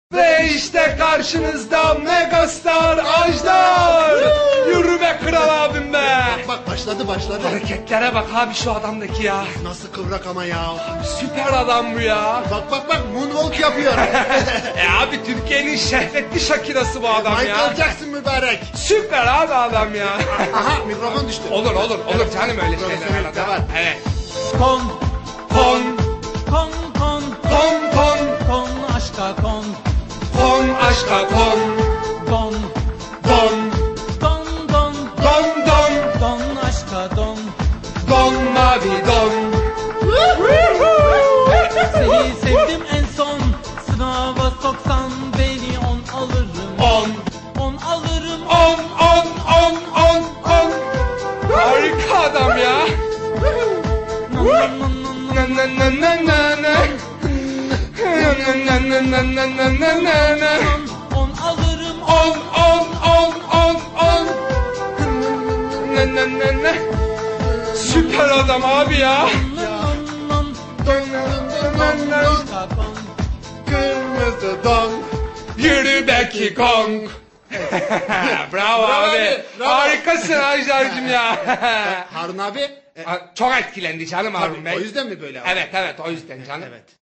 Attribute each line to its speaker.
Speaker 1: Ve işte karşınızda megastar Ajdar. Yürü be kral abim be.
Speaker 2: Bak başladı.
Speaker 1: Hareketlere bak abi şu adamdaki ya.
Speaker 2: Nasıl kıvrak ama ya.
Speaker 1: Süper adam bu ya.
Speaker 2: Bak moonwalk yapıyor.
Speaker 1: Abi Türkiye'nin şehvetli Shakira'sı bu adam ya.
Speaker 2: Michael Jackson mübarek.
Speaker 1: Süper abi adam ya.
Speaker 2: Aha mikrofon düştü.
Speaker 1: Olur canım öyle şeyler
Speaker 2: Profesyonel de
Speaker 1: arada.
Speaker 2: var.
Speaker 1: Evet.
Speaker 3: Kon
Speaker 1: Kon
Speaker 3: aşka kon
Speaker 1: Kon aşka kon.
Speaker 3: Don
Speaker 1: Don
Speaker 3: aşka don
Speaker 1: Don mavi don.
Speaker 3: Seni sevdim en son sınava soksan beni 10 alırım 10 alırım
Speaker 1: 10. Harika adam ya. Na.
Speaker 3: 10 alırım
Speaker 1: 10. Süper adam abi ya.
Speaker 3: aşka kon
Speaker 2: Kırmızı don.
Speaker 1: Yürü Becky Kong. Bravo abi.
Speaker 2: bravo.
Speaker 1: Harikasın Ajdar'cığım ya.
Speaker 2: Harun abi.
Speaker 1: Çok etkilendi canım abim
Speaker 2: O
Speaker 1: benim.
Speaker 2: yüzden mi böyle?
Speaker 1: Evet o yüzden canım.
Speaker 2: Evet.